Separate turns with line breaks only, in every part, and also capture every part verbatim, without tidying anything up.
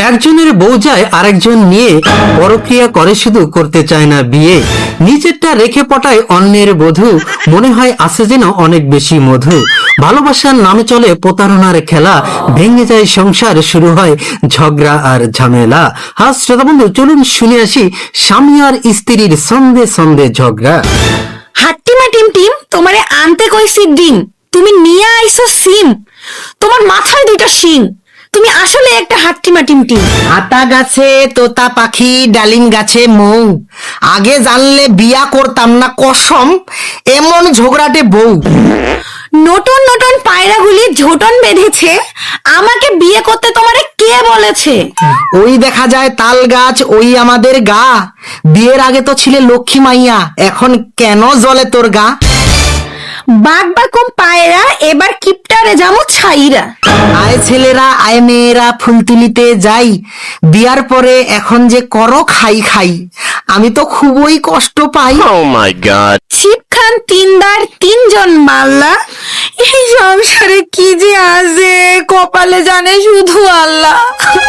একজনের বউ যায় আরেকজন নিয়ে পরক্রিয়া করে, শুধু করতে চায় না বিয়ে। নিজেরটা রেখে পটায় অন্যের বধূ, মনে হয় আছে যেন অনেক বেশি মধু। ভালোবাসার নামে চলে প্রতারণার খেলা, ভেঙে যায় সংসার, শুরু হয় ঝগড়া আর ঝামেলা। হ্যাঁ শ্রোতা বন্ধু, চলুন শুনে আসি স্বামী আর স্ত্রীর সন্ধে সন্ধে ঝগড়া।
হাট্টিমা টিম টিম, তোমারে আনতে কইছি ডিম, তুমি নিয়ে আইছো সিম, তোমার মাথায় দুইটা শিং, তুমি আসলে একটা হাট্টিমা টিম টিম।
আতা গাছে তোতা পাখি, ডালিম গাছে মৌ, আগে জানলে বিয়া করতাম না কসম, এমন ঝগড়াটে বউ।
নতুন নতুন পায়রাগুলি ঝোটন বেঁধেছে, আমাকে বিয়ে করতে তোমারে কে বলেছে?
ওই দেখা যায় তাল গাছ, ওই আমাদের গা, বিয়ের আগে তো ছিলে লক্ষ্মী মাইয়া, এখন কেন জ্বলে তোর গা?
বাঘ বাকুম পায়রা, এবার কিপটারে যাবো ছাইরা।
আয় ছেলেরা আয় মেয়েরা ফুল তুলিতে যাই, বিয়ার পরে এখন যে করো খাই খাই, আমি তো খুবই কষ্ট পাই।
Oh my god.
শিব খান তিনদার তিনজন মাল্লা, এই সংসারে কি যে আছে কপালে জানে শুধু আল্লাহ।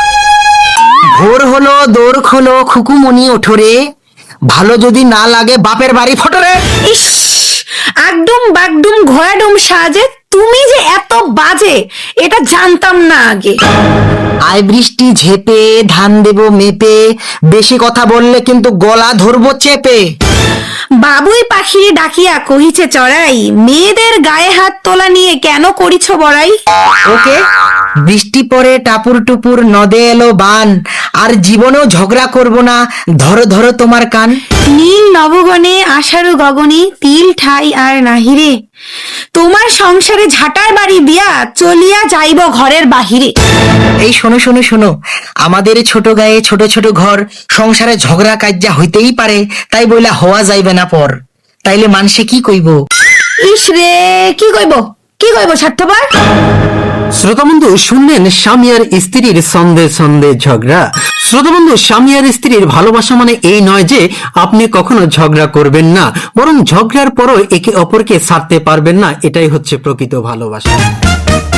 ভোর হলো দৌড় খোলো খুকুমনি ওঠরে, ভালো যদি না লাগে বাপের বাড়ি ফটরে।
ইস, একদম বাগডুম ঘোড়াডুম সাজে, তুমি যে এত বাজে এটা জানতাম না আগে।
আয় বৃষ্টি ঝেপে ধান দেব মেপে, বেশি কথা বললে কিন্তু গলা ধরবো চেপে।
বাবুই পাখিরে ডাকিয়া কহিছে চড়াই, মেয়েদের গায়ে হাত তোলা নিয়ে কেন করিছ বড়াই?
ওকে, বৃষ্টি পরে টাপুর টুপুর নদে এলো বান, আর জীবনেও ঝগড়া করব না, ধরো ধরো তোমার কান।
নীল নবগণে আষাঢ় গগনে, তিল ঠাই আর নাহিরে, তোমার সংসারে ঝাঁটার বাড়ি দিয়া চলিয়া যাইব ঘরের বাহিরে।
এই শোনো শোনো শোনো, আমাদের ছোট গায়ে ছোট ছোট ঘর, সংসারে ঝগড়া কাজ্যা হইতেই পারে, তাই বইলা হওয়া যাইবে না পর, তাইলে মানুষে কি কইব?
ইস রে, কি কইব কি কইব স্বার্থপর।
শ্রোতা বন্ধু, শুনলেন স্বামী আর স্ত্রীর সন্ধে সন্ধে ঝগড়া। শ্রোতা বন্ধু, স্বামী আর স্ত্রীর ভালোবাসা মানে এই নয় যে আপনি কখনো ঝগড়া করবেন না, বরং ঝগড়ার পরও একে অপরকে ছাড়তে পারবেন না, এটাই হচ্ছে প্রকৃত ভালোবাসা।